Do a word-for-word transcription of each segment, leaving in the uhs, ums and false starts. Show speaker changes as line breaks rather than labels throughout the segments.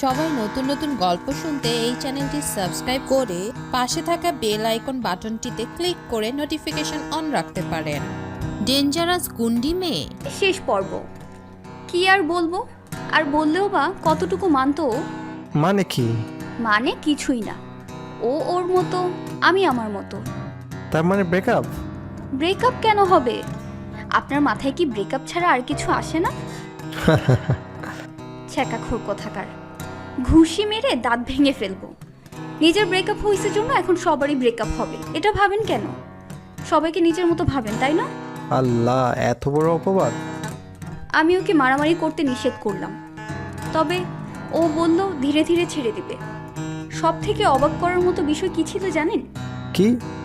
সবাই নতুন নতুন গল্প শুনতে এই চ্যানেলটি সাবস্ক্রাইব করে পাশে থাকা বেল আইকন বাটনটিতে ক্লিক করে নোটিফিকেশন অন রাখতে পারেন। ডেঞ্জারাস গুন্ডি মেয়ে
শেষ পর্ব। কি আর বলবো, আর বললেও বা কতটুকু মানতো?
মানে কি?
মানে কিছুই না। ও ওর মতো, আমি আমার মতো।
তার মানে ব্রেকআপ?
ব্রেকআপ কেন হবে? আপনার মাথায় কি ব্রেকআপ ছাড়া আর কিছু আসে না? ছ্যাঁকাখোর কোথাকার, ঘুষি মেরে দাঁত ভেঙে ফেলবো। নিজের ব্রেকআপ হয়েছে জন্য এখন সবারই ব্রেকআপ হবে, এটা ভাবেন কেন? সবাইকে নিজের মতো ভাবেন, তাই না?
আল্লাহ, এত বড় অপবাদ!
আমি ওকে মারামারি করতে নিষেধ করলাম, তবে ও বলল ধীরে ধীরে ছেড়ে দিবে। সব থেকে অবাক করার মতো বিষয় কি ছিল জানেন?
কি?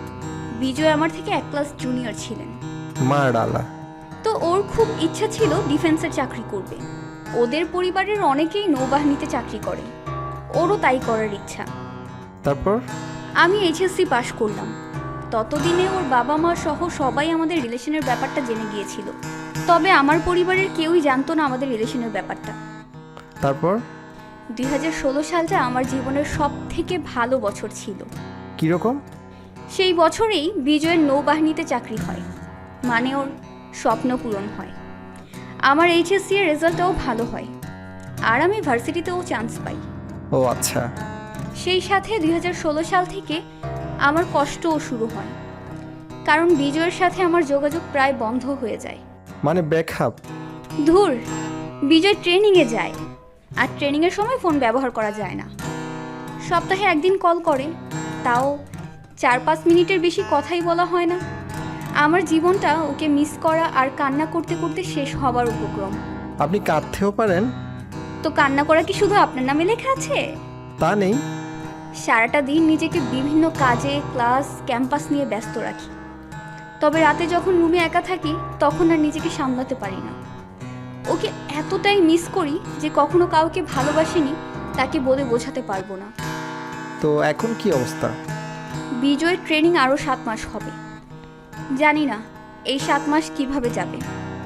বিজয় আমার থেকে এক ক্লাস জুনিয়র ছিলেন।
মার ডালা।
তো ওর খুব ইচ্ছা ছিল ডিফেন্সের চাকরি করবে। ওদের পরিবারের অনেকেই নৌবাহিনীতে চাকরি করে, ওরও তাই করার ইচ্ছা।
তারপর?
আমি এইচএসসি পাশ করলাম। ততদিনে ওর বাবা মা সহ সবাই আমাদের রিলেশনের ব্যাপারটা জেনে গিয়েছিল, তবে আমার পরিবারের কেউই জানতো না আমাদের রিলেশনের ব্যাপারটা।
তারপর?
দুই হাজার ষোলো সালটা আমার জীবনের সব থেকে ভালো বছর ছিল।
কিরকম?
সেই বছরেই বিজয়ের নৌবাহিনীতে চাকরি হয়, মানে ওর স্বপ্ন পূরণ হয়। আমার এইচএসসি এর রেজাল্টটাও ভালো হয়, আর আমি ভার্সিটিতেও চান্স পাই।
ও আচ্ছা।
সেই সাথে দুই হাজার ষোলো সাল থেকে আমার কষ্টও শুরু হয়, কারণ বিজয়ের সাথে আমার যোগাযোগ প্রায় বন্ধ হয়ে যায়।
মানে ব্রেকআপ?
ধুর, বিজয় ট্রেনিংয়ে যায়, আর ট্রেনিংয়ের সময় ফোন ব্যবহার করা যায় না। সপ্তাহে একদিন কল করে, তাও চার পাঁচ মিনিটের বেশি কথাই বলা হয় না। আমার জীবনটা ওকে মিস করা আর কান্না করতে করতে শেষ হবার উপক্রম।
আপনি কাঁদতেও পারেন?
তো কান্না করা কি শুধু আপনার নামে লেখা আছে?
তা নেই।
সারাটা দিন নিজেকে বিভিন্ন কাজে, ক্লাস, ক্যাম্পাস নিয়ে ব্যস্ত রাখি, তবে রাতে যখন রুমে একা থাকি তখন আর নিজেকে সামলাতে পারি না। ওকে এতটাই মিস করি যে কখনো কাউকে ভালোবাসিনি তাকে বলে বোঝাতে পারবো না।
তো এখন কি অবস্থা?
বিজয়ের ট্রেনিং আরও সাত মাস হবে। জানি না এই সাত মাস কিভাবে যাবে,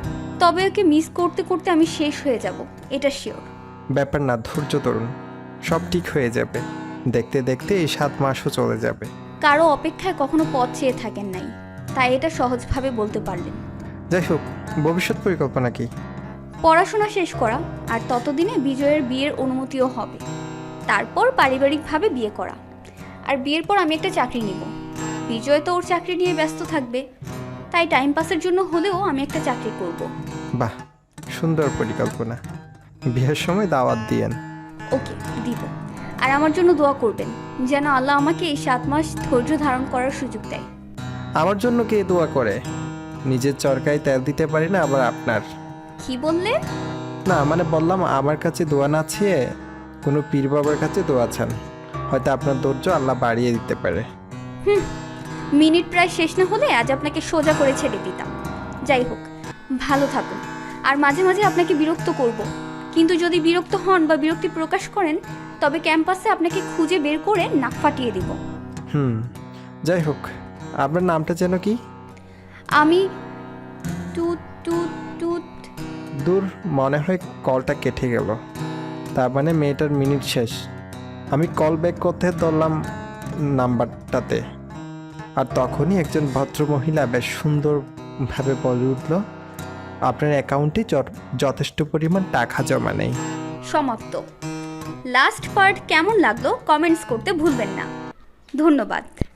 তবে ওকে মিস করতে করতে আমি শেষ হয়ে যাব, এটা শিওর।
ব্যাপার না, ধৈর্য ধরুন, সব ঠিক হয়ে যাবে। দেখতে দেখতে এই সাত মাসও চলে যাবে।
কারো অপেক্ষায় কখনো পথ চেয়ে থাকেন নাই, তাই এটা সহজভাবে বলতে পারলেন।
যাই হোক, ভবিষ্যৎ পরিকল্পনা কি?
পড়াশোনা শেষ করা, আর ততদিনে বিজয়ের বিয়ের অনুমতিও হবে। তারপর পারিবারিকভাবে বিয়ে করা, আর বিয়ের পর আমি একটা চাকরি নিব। বিজয় তো ওর চাকরি নিয়ে ব্যস্ত থাকবে, তাই টাইম পাসের জন্য হলেও আমি একটা চাকরি করব।
বাহ, সুন্দর পরিকল্পনা। বিয়ের সময় দাওয়াত দিয়েন।
ওকে, দিব। আর আমার জন্য দোয়া করবেন যেন আল্লাহ আমাকে এই সাত মাস ধৈর্য ধারণ করার সুযোগ দেয়।
আমার জন্য কে দোয়া করে? নিজের চরকায় তেল দিতে পারি না, আবার আপনার।
কি বললে?
না মানে বললাম, আমার কাছে দোয়া না চেয়ে কোনো পীর বাবার কাছে দোয়া চান, হয়তো আপনার ধৈর্য আল্লাহ বাড়িয়ে দিতে পারে।
হুম, মিনিট প্রায় শেষ না হলে আজ আপনাকে সোজা করে ছেড়ে দিতাম। যাই হোক, ভালো থাকুন। আর মাঝে মাঝে আপনাকে বিরক্ত করব, কিন্তু যদি বিরক্ত হন বা বিরক্তি প্রকাশ করেন তবে ক্যাম্পাসে আপনাকে খুঁজে বের করে নাক ফাটিয়ে দিব।
হুম, যাই হোক, আপনার নামটা যেন কি?
আমি টুট টুট টুট।
দূর, মনে হয় কলটা কেটে গেল। তার মানে মেয়েটার মিনিট শেষ। আমি কল ব্যাক করতে ধরলাম নাম্বারটাতে, আর তখনই একজন ভদ্রমহিলা বেশ সুন্দরভাবে বলে উঠল, আপনার অ্যাকাউন্টে যথেষ্ট পরিমাণ টাকা জমা নেই।
সমাপ্ত। লাস্ট পার্ট কেমন লাগলো কমেন্টস করতে ভুলবেন না। ধন্যবাদ।